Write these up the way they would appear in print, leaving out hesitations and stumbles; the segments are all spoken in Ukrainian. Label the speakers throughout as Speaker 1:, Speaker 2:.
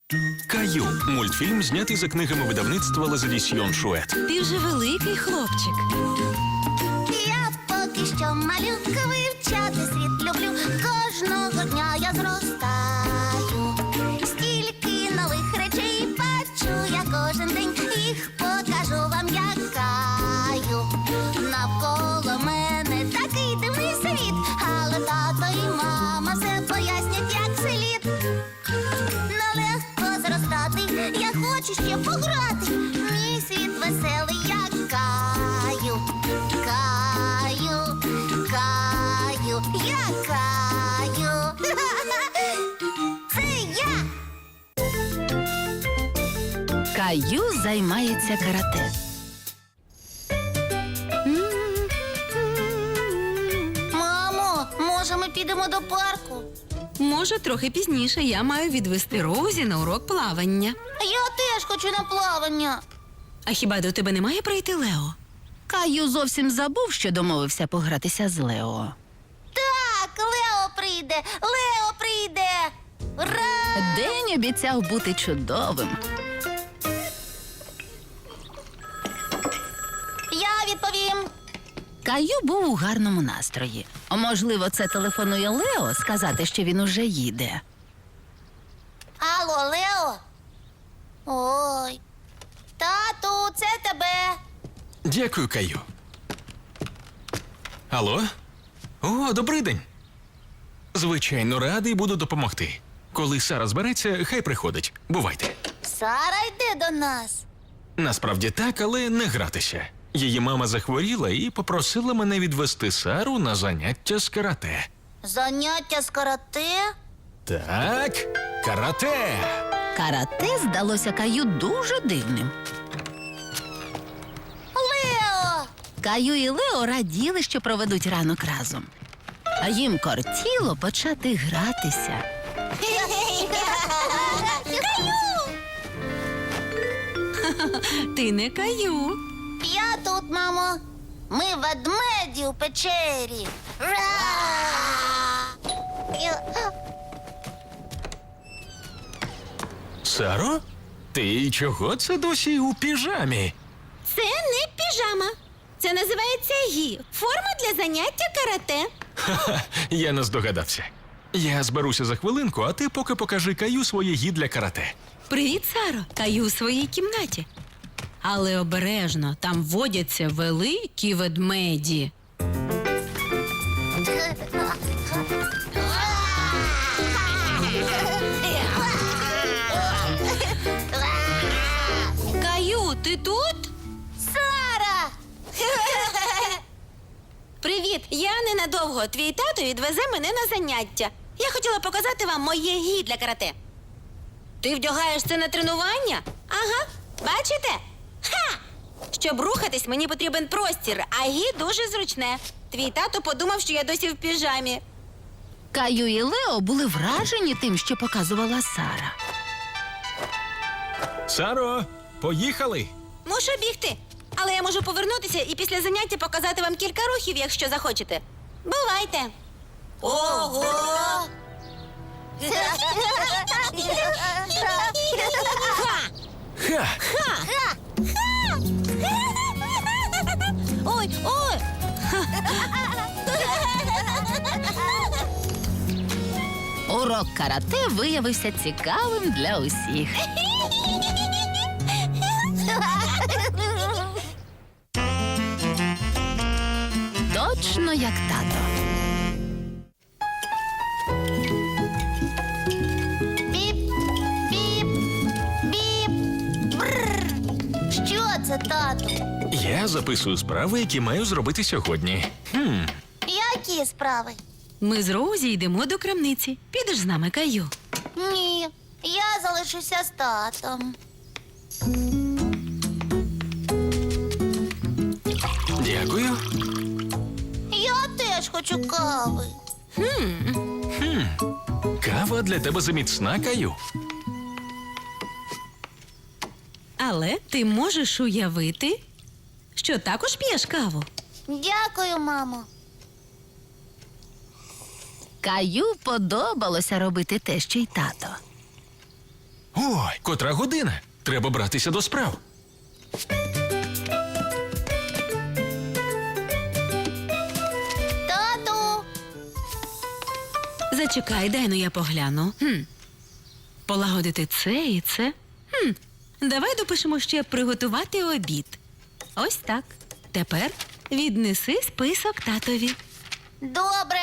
Speaker 1: Каю – мультфільм, знятий за книгами видавництва «Лазадісьйон Шует».
Speaker 2: Ти вже великий хлопчик.
Speaker 3: Я поки що малюка, вивчати світ люблю. Кожного дня я зростаю. Стільки нових речей бачу я кожен день. Їх покажу вам, як Каю. Навколо мене такий дивний світ, але тато і мама все пояснять, як слід. Нелегко зростати, я хочу ще пограти. Мій світ веселий, як Каю. Каю, Каю, я Каю. Це я.
Speaker 2: Каю займається карате.
Speaker 3: Мамо, може ми підемо до парку?
Speaker 2: Може, трохи пізніше я маю відвести Роузі на урок плавання.
Speaker 3: Я теж хочу на плавання.
Speaker 2: А хіба до тебе не має прийти Лео?
Speaker 4: Каю зовсім забув, що домовився погратися з Лео.
Speaker 3: Так, Лео прийде, Лео прийде. Ура!
Speaker 4: День обіцяв бути чудовим.
Speaker 3: Я відповім.
Speaker 4: Каю був у гарному настрої. Можливо, це телефонує Лео сказати, що він уже їде.
Speaker 3: Алло, Лео? Ой. Тату, це тебе.
Speaker 1: Дякую, Каю. Алло? О, добрий день. Звичайно, радий буду допомогти. Коли Сара збереться, хай приходить. Бувайте.
Speaker 3: Сара йде до нас.
Speaker 1: Насправді так, але не гратися. Її мама захворіла і попросила мене відвести Сару на заняття з карате.
Speaker 3: Заняття з карате?
Speaker 1: Так, карате!
Speaker 4: Карате здалося Каю дуже дивним.
Speaker 3: Лео!
Speaker 4: Каю і Лео раділи, що проведуть ранок разом. А їм кортіло почати гратися.
Speaker 3: Каю!
Speaker 2: Ти не Каю.
Speaker 3: Я тут, мамо. Ми ведмеді у печері. Ра!
Speaker 1: Саро? Ти чого це досі у піжамі?
Speaker 5: Це не піжама. Це називається гі. Форма для заняття карате.
Speaker 1: Ха-ха, я не здогадався. Я зберуся за хвилинку, а ти поки покажи Каю своє гі для карате.
Speaker 2: Привіт, Саро. Каю у своїй кімнаті. Але обережно, там водяться великі ведмеді. Каю, ти тут?
Speaker 3: Сара!
Speaker 5: Привіт, я ненадовго. Твій тато відвезе мене на заняття. Я хотіла показати вам моє гі для карате. Ти вдягаєш це на тренування? Ага, бачите? Ха! Щоб рухатись, мені потрібен простір, а гі дуже зручне. Твій тато подумав, що я досі в піжамі.
Speaker 4: Каю і Лео були вражені тим, що показувала Сара.
Speaker 1: Саро, поїхали!
Speaker 5: Мушу бігти. Але я можу повернутися і після заняття показати вам кілька рухів, якщо захочете. Бувайте.
Speaker 3: Ого!
Speaker 1: Ха!
Speaker 5: Ой, ой!
Speaker 4: Урок карате виявився цікавим для усіх. Точно як тато.
Speaker 3: Біп, біп, біп. Бррр. Що це, тату?
Speaker 1: Я записую справи, які маю зробити сьогодні.
Speaker 3: Які справи?
Speaker 2: Ми з Роузі йдемо до крамниці. Підеш з нами, Каю.
Speaker 3: Ні, я залишуся з татом.
Speaker 1: Дякую.
Speaker 3: Я теж хочу кави.
Speaker 1: Кава для тебе заміцна, Каю.
Speaker 2: Але ти можеш уявити, що також п'єш каву.
Speaker 3: Дякую, мамо.
Speaker 4: Каю подобалося робити те, що й тато.
Speaker 1: Ой, котра година? Треба братися до справ.
Speaker 3: Тату!
Speaker 2: Зачекай, дай, ну я погляну. Полагодити це і це. Давай допишемо ще приготувати обід. Ось так. Тепер віднеси список татові.
Speaker 3: Добре.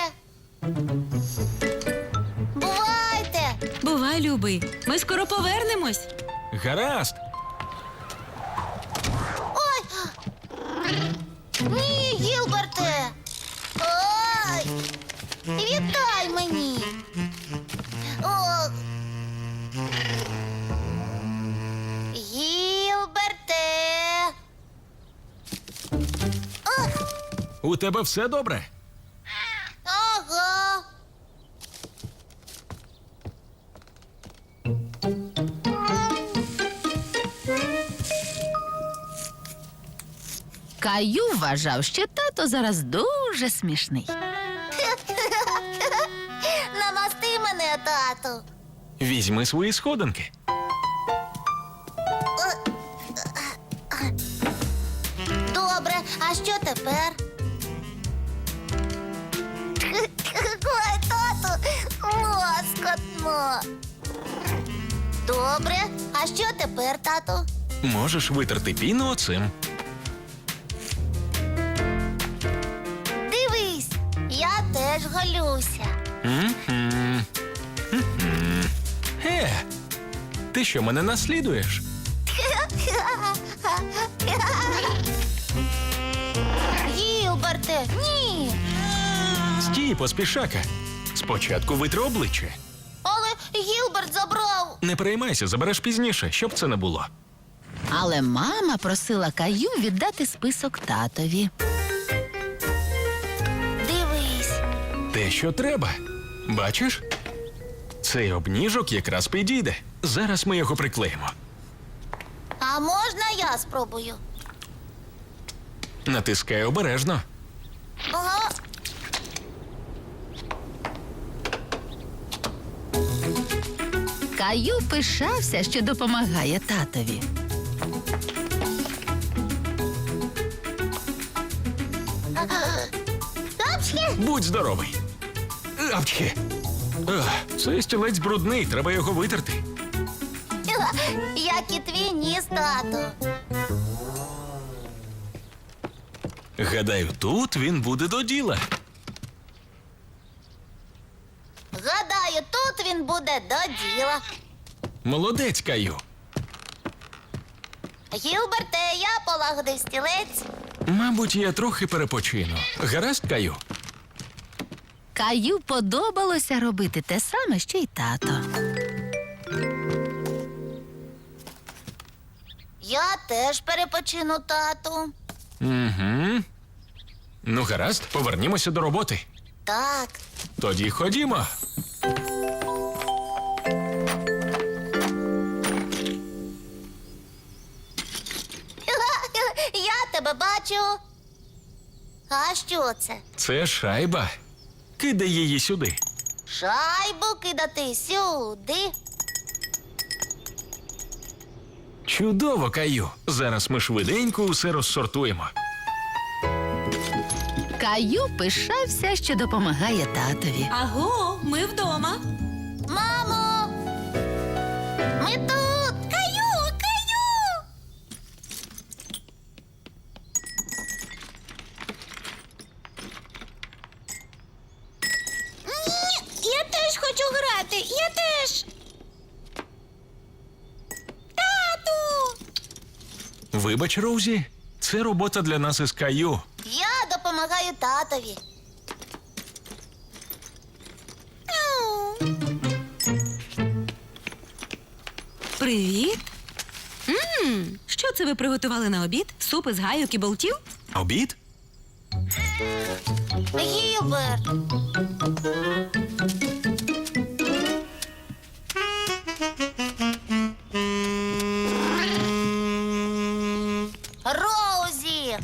Speaker 3: Бувайте!
Speaker 2: Бувай, любий. Ми скоро повернемось.
Speaker 1: Гаразд.
Speaker 3: Ой! Ні, Гілберте! Ой! Вітай мені! О! Гілберте! О!
Speaker 1: У тебе все добре?
Speaker 3: Ага!
Speaker 4: Каю вважав, що тато зараз дуже смішний.
Speaker 3: Намасти мене, тату!
Speaker 1: Візьми свої сходинки.
Speaker 3: Добре, а що тепер? Ой, тату, лоскотно. Добре, а що тепер, тату?
Speaker 1: Можеш витерти піну оцим.
Speaker 3: Дивись, я теж голюся.
Speaker 1: Ти що, мене наслідуєш?
Speaker 3: Гілберте, ні.
Speaker 1: Стій, поспішака. Спочатку витри обличчя.
Speaker 3: Але Гілберт забрав.
Speaker 1: Не переймайся, забереш пізніше, щоб це не було.
Speaker 4: Але мама просила Каю віддати список татові.
Speaker 3: Дивись.
Speaker 1: Те, що треба. Бачиш? Цей обніжок якраз підійде. Зараз ми його приклеїмо.
Speaker 3: А можна я спробую?
Speaker 1: Натискай обережно.
Speaker 3: Ага.
Speaker 4: Каю пишався, що допомагає татові.
Speaker 3: Апчхи!
Speaker 1: Будь здоровий. Апчхи. Цей стілець брудний, треба його витерти.
Speaker 3: Як і твій ніс, тату.
Speaker 1: Гадаю, тут він буде до діла.
Speaker 3: Гадаю, тут він буде до діла.
Speaker 1: Молодець, Каю.
Speaker 3: Гілберте, я полагодив стілець.
Speaker 1: Мабуть, я трохи перепочину. Гаразд, Каю?
Speaker 4: Каю подобалося робити те саме, що й тато.
Speaker 3: Я теж перепочину, тату.
Speaker 1: Угу. Ну, гаразд, повернімося до роботи.
Speaker 3: Так.
Speaker 1: Тоді ходімо.
Speaker 3: Я тебе бачу. А що це?
Speaker 1: Це шайба. Кидай її сюди.
Speaker 3: Шайбу кидати сюди.
Speaker 1: Чудово, Каю. Зараз ми швиденько усе розсортуємо.
Speaker 4: Каю пишався, що допомагає татові.
Speaker 2: Аго, ми вдома.
Speaker 3: Мамо! Ми тут! Каю! Каю! Ні, я теж хочу грати! Я теж! Тату!
Speaker 1: Вибач, Роузі, це робота для нас із Каю.
Speaker 3: Я допомагаю татові.
Speaker 2: Привіт. Що це ви приготували на обід? Суп із гайок і болтів?
Speaker 1: Обід?
Speaker 3: Гілберт! Роузі!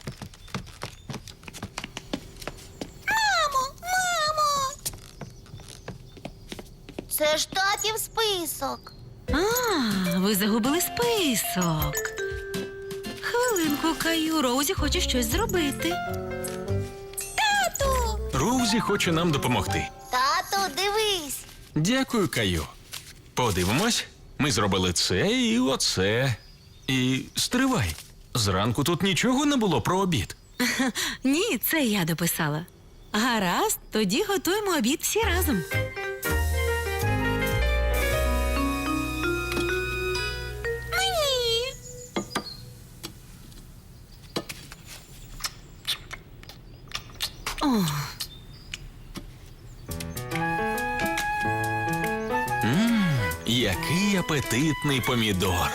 Speaker 3: Мамо! Мамо! Це ж татів список.
Speaker 2: А, ви загубили список. Хвилинку, Каю, Роузі хоче щось зробити.
Speaker 1: Роузі хоче нам допомогти.
Speaker 3: Тату, дивись.
Speaker 1: Дякую, Каю. Подивимось. Ми зробили це і оце. І стривай. Зранку тут нічого не було про обід.
Speaker 2: Ні, це я дописала. Гаразд, тоді готуємо обід всі разом. Мені. О,
Speaker 1: Який апетитний помідор.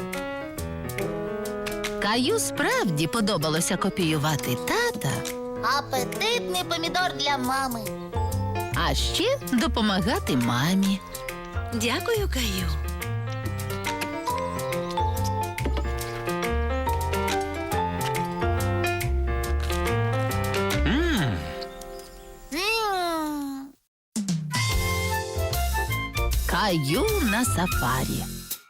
Speaker 4: Каю справді подобалося копіювати тата,
Speaker 3: Апетитний помідор для мами.
Speaker 4: а ще допомагати мамі.
Speaker 2: дякую, Каю.
Speaker 3: М.
Speaker 4: Каю на сафарі.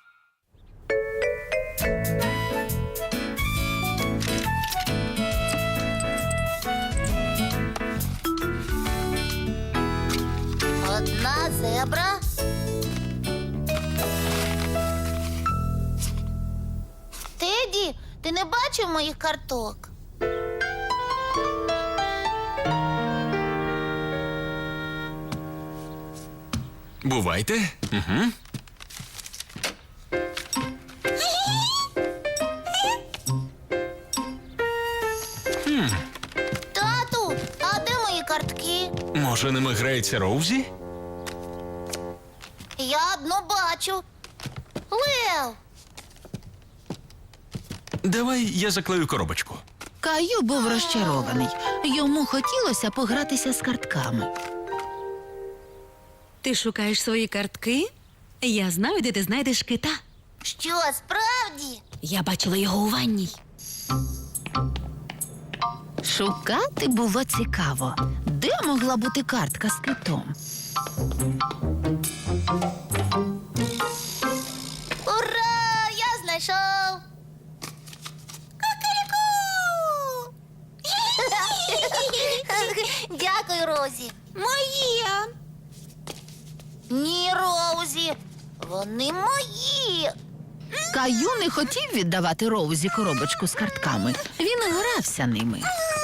Speaker 3: Одна зебра. Теді, ти не бачив моїх карток?
Speaker 1: Бувайте. Угу.
Speaker 3: Тату, а де мої картки?
Speaker 1: Може, ними грається Роузі?
Speaker 3: Я одну бачу. Лев.
Speaker 1: Давай я заклею коробочку.
Speaker 4: Каю був розчарований. Йому хотілося погратися з картками.
Speaker 2: Ти шукаєш свої картки? Я знаю, де ти знайдеш кита.
Speaker 3: Що, справді?
Speaker 2: Я бачила його у ванній.
Speaker 4: Шукати було цікаво. Де могла бути картка з китом?
Speaker 3: Ура! Я знайшов. Кукаріку! Дякую, Розі.
Speaker 5: Моє.
Speaker 3: Ні, Роузі. Вони мої.
Speaker 4: Каю не хотів віддавати Роузі коробочку з картками. Він грався ними.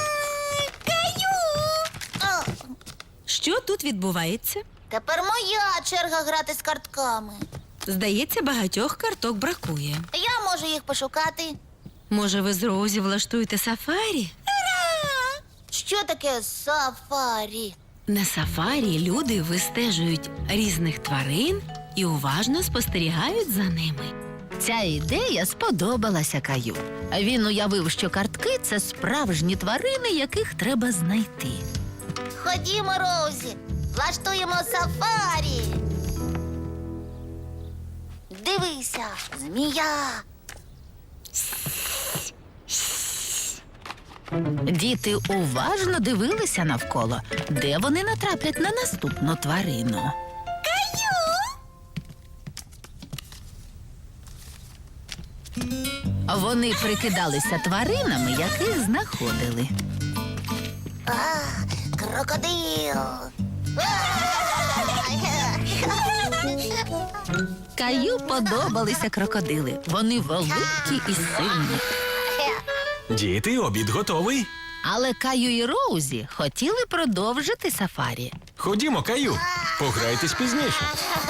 Speaker 3: А,
Speaker 2: Що тут відбувається?
Speaker 3: тепер моя черга грати з картками.
Speaker 2: Здається, багатьох карток бракує.
Speaker 3: Я можу їх пошукати.
Speaker 2: Може, ви з Роузі влаштуєте сафарі?
Speaker 3: Що таке сафарі?
Speaker 2: На сафарі люди вистежують різних тварин і уважно спостерігають за ними.
Speaker 4: Ця ідея сподобалася Каю. Він уявив, що картки – це справжні тварини, яких треба знайти.
Speaker 3: Ходімо, Роузі, влаштуємо сафарі. Дивися, змія.
Speaker 4: Діти уважно дивилися навколо, де вони натраплять на наступну тварину. Вони прикидалися тваринами, яких знаходили.
Speaker 3: А, крокодил.
Speaker 4: Каю подобалися крокодили. Вони великі і сильні.
Speaker 1: Діти, обід готовий.
Speaker 4: Але Каю і Роузі хотіли продовжити сафарі.
Speaker 1: Ходімо, Каю. Пограйтесь пізніше.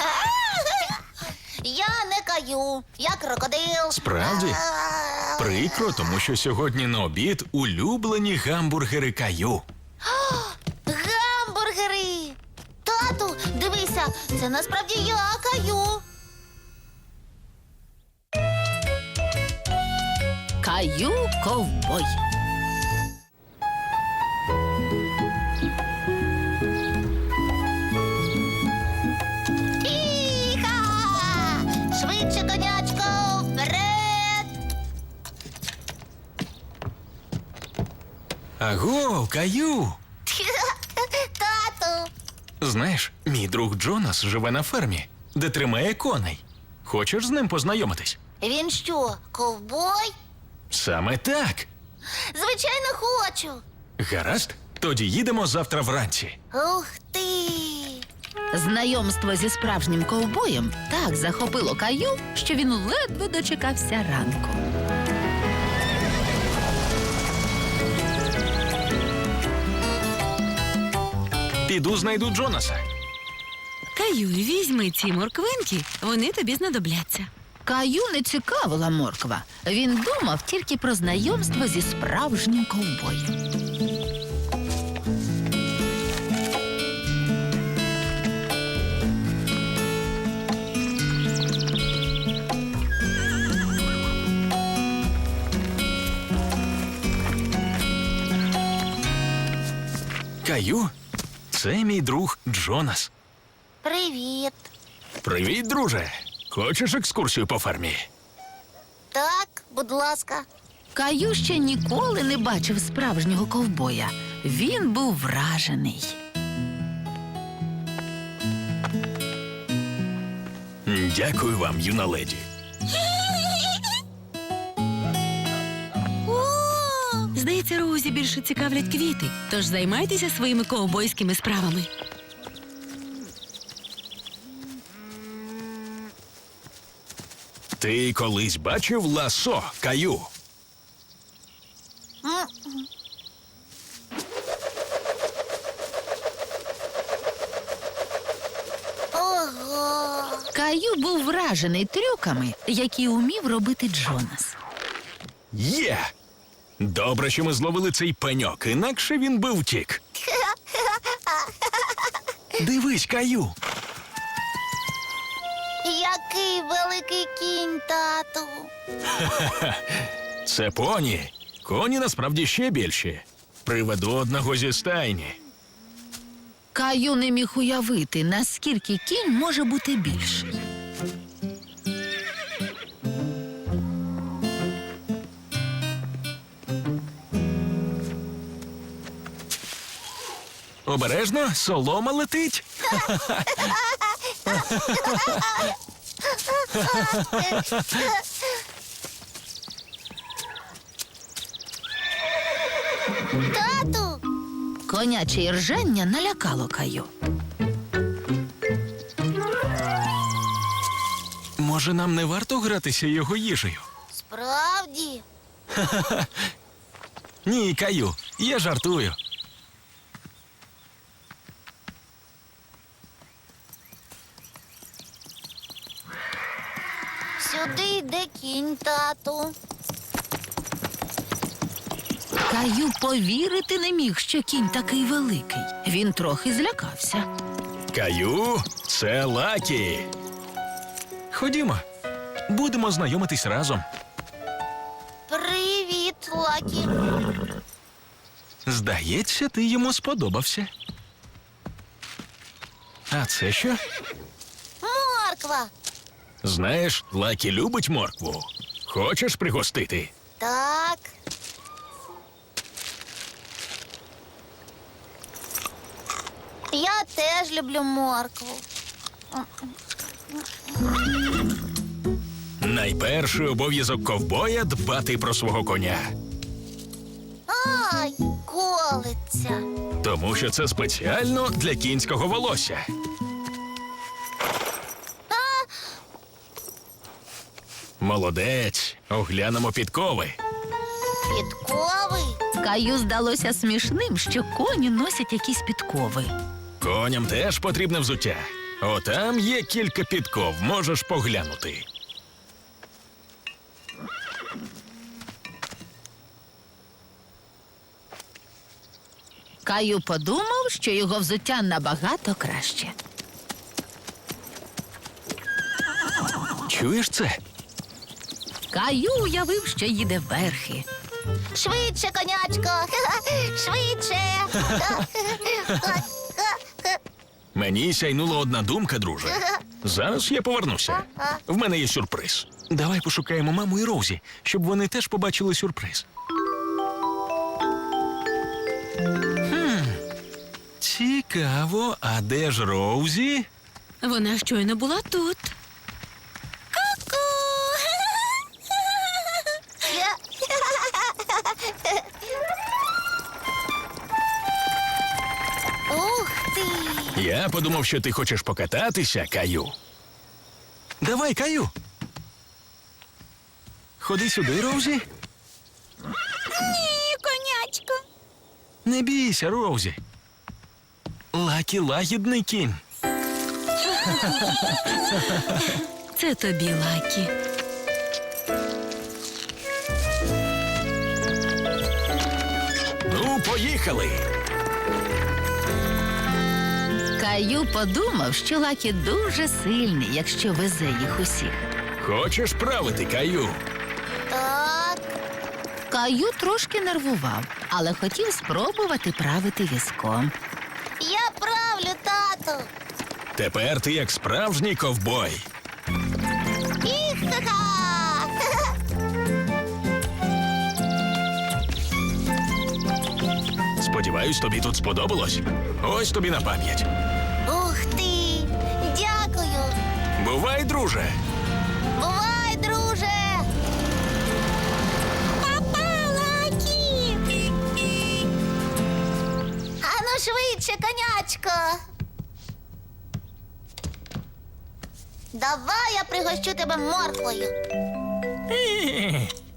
Speaker 3: Я не каю, я крокодил.
Speaker 1: Справді? Прикро, тому що сьогодні на обід улюблені гамбургери Каю.
Speaker 3: Гамбургери. Тату, дивися, це насправді я каю.
Speaker 4: Каю ковбой.
Speaker 3: Іха! Швидше, конячко, вперед!
Speaker 1: Аго, Каю!
Speaker 3: Тату,
Speaker 1: Знаєш, мій друг Джонас живе на фермі, де тримає коней. Хочеш з ним познайомитись?
Speaker 3: Він що, ковбой?
Speaker 1: Саме так.
Speaker 3: Звичайно, хочу.
Speaker 1: Гаразд, тоді їдемо завтра вранці.
Speaker 3: Ух ти!
Speaker 4: Знайомство зі справжнім ковбоєм так захопило Каю, що він ледве дочекався ранку.
Speaker 1: Піду знайду Джонаса.
Speaker 2: Каю, візьми ці морквинки, вони тобі знадобляться.
Speaker 4: Каю не цікавила морква. Він думав тільки про знайомство зі справжнім ковбоєм.
Speaker 1: Каю, це мій друг Джонас.
Speaker 3: Привіт.
Speaker 1: Привіт, друже. Хочеш екскурсію по фермі?
Speaker 3: Так, будь ласка.
Speaker 4: Каю ще ніколи не бачив справжнього ковбоя. Він був вражений.
Speaker 1: Дякую вам, юна леді.
Speaker 2: Здається, Роузі більше цікавлять квіти, тож займайтеся своїми ковбойськими справами.
Speaker 1: Ти колись бачив ласо, Каю?
Speaker 3: Ого.
Speaker 4: Каю був вражений трюками, які умів робити Джонас.
Speaker 1: Є! Добре, що ми зловили цей пеньок, інакше він би втік. Дивись, Каю.
Speaker 3: Який великий кінь, тату.
Speaker 1: Це поні. Коні насправді ще більші. Приведу одного зі стайні.
Speaker 4: Каю не міг уявити, наскільки кінь може бути більший.
Speaker 1: Обережно, солома летить.
Speaker 3: Тату.
Speaker 4: Коняче іржання налякало Каю.
Speaker 1: Може, нам не варто гратися його їжею?
Speaker 3: Справді.
Speaker 1: Ні, Каю, я жартую.
Speaker 3: Сюди йде кінь, тату.
Speaker 4: Каю повірити не міг, що кінь такий великий. Він трохи злякався.
Speaker 1: Каю, це Лакі. Ходімо, будемо знайомитись разом.
Speaker 3: Привіт, Лакі.
Speaker 1: Здається, ти йому сподобався. А це що?
Speaker 3: Морква.
Speaker 1: Знаєш, Лакі любить моркву. Хочеш пригостити?
Speaker 3: Так. Я теж люблю моркву.
Speaker 1: Найперший обов'язок ковбоя – дбати про свого коня.
Speaker 3: Ай, колиться.
Speaker 1: Тому що це спеціально для кінського волосся. Молодець, оглянемо підкови.
Speaker 3: Підковий.
Speaker 4: Каю здалося смішним, що коні носять якісь підкови.
Speaker 1: Коням теж потрібне взуття. Отам є кілька підков, можеш поглянути.
Speaker 4: Каю подумав, що його взуття набагато краще.
Speaker 1: Чуєш це?
Speaker 4: Каю уявив, що їде верхи.
Speaker 3: Швидше, конячко. Швидше.
Speaker 1: Мені сяйнула одна думка, друже. Зараз я повернуся. В мене є сюрприз. Давай пошукаємо маму і Роузі, щоб вони теж побачили сюрприз. Цікаво, а де ж Роузі?
Speaker 2: Вона щойно була тут.
Speaker 1: Я подумав, що ти хочеш покататися, Каю. Давай, Каю. Ходи сюди, Роузі.
Speaker 5: Ні, конячко.
Speaker 1: Не бійся, Роузі. Лакі лагідний кінь.
Speaker 2: Це тобі, Лакі.
Speaker 1: Ну, поїхали.
Speaker 4: Каю подумав, що Лакі дуже сильний, якщо везе їх усіх.
Speaker 1: Хочеш правити, Каю?
Speaker 3: Так.
Speaker 4: Каю трошки нервував, але хотів спробувати правити візком.
Speaker 3: Я правлю, тату.
Speaker 1: Тепер ти як справжній ковбой.
Speaker 3: Іха-ха!
Speaker 1: Сподіваюсь, тобі тут сподобалось. Ось тобі на пам'ять.
Speaker 3: Ух ти! Дякую!
Speaker 1: Бувай, друже.
Speaker 3: Бувай, друже! Папа, Лакі! Ану швидше, конячко! Давай я пригощу тебе морквою.